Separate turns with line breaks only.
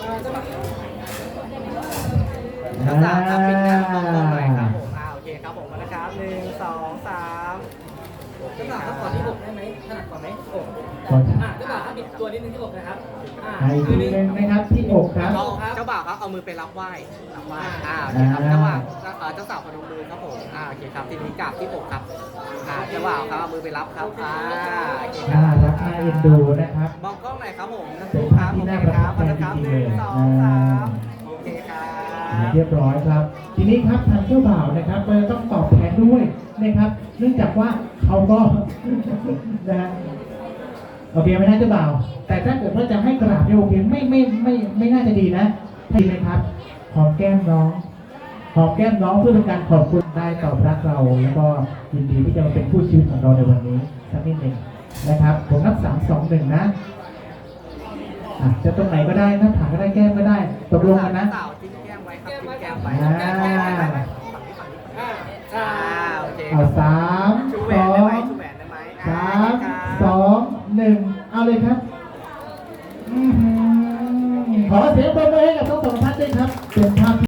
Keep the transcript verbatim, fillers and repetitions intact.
เจ้าสาวครับปิดหน้ามองกล้องหน่อยครับผมอ่าโอเคครับผมมาแล้วครับหนึ่งสองสามเจ้าสาวครับขอที่อกได้ไหมถนัดกว่าไหมอกอ่าเจ้าบ่าวครับปิดตัวนิดนึงที่อกนะครับอ่า
อีกทีนึงนะครับที่อกครับ
เจ้าบ่าวครับเอามือไปรับไหว้รับไหว้อ่าโอเคครับเจ้าบ่าวเจ้าสาวพนมมือครับผมอ่าโอเคครับทีนี้กราบที่อกครับอ่าเจ้าบ่าวครับเอามือไปรับครับอ่าโอเคค
น่า
รับ
รักน่าเอ็นดูนะครับ
มองกล้องหน่อยครับผมนะค
เป็น
รั
ภาพ
บ
ที่
โอ
น่า
เค
ประ
ค
ทั
รั
บบ ใจ
มาแล้วครับ
จริ
ห
งๆ
นึ่
เล
ง
ย
สอง
อ่า
สามโอเคครับ
เรียบร้อยครับ ทีนี้ครับทางเจ้าบ่าวนะครับเราต้องตอบแทนด้วยนะครับ เนื่องจากว่าเขาก็ นะฮะโอเคไหมนะเจ้าบ่าว แต่ถ้าเกิดว่าจะให้กราบเนี่ยโอเคไม่ไม่ไม่ไม่น่าจะดีนะดีไหมครับหอมแก้มน้องหอมแก้มน้องเพื่อเป็นการขอบคุณได้ตอบรักเรา แล้วก็ยินดีที่จะมาเป็นผู้ชีวิตของเราในวันนี้สักนิดหนึ่งนะครับผมนับสามสองหนึ่งนะอ่ะจะตรงไหนก็ได้หน้าผากก็ได้แก้มก็ได้ตกลงกันนะ
สาวจิ้มแก้มไว้ครับจิ้มแก้มไว้
อ่า
แก้มไว้ฝั่งนี้ฝั่งนี้อ่าโอเค
เอาสาม
ชูแหว
ส
น
อ
ได้ไหม
ง
ชูแหวนได้ไหม
สามสองหนึ่งเอาเลยครับอื้อหือขอเสียงปรบมือให้กับทั้งสองท่านด้วยครับเป็นภาพ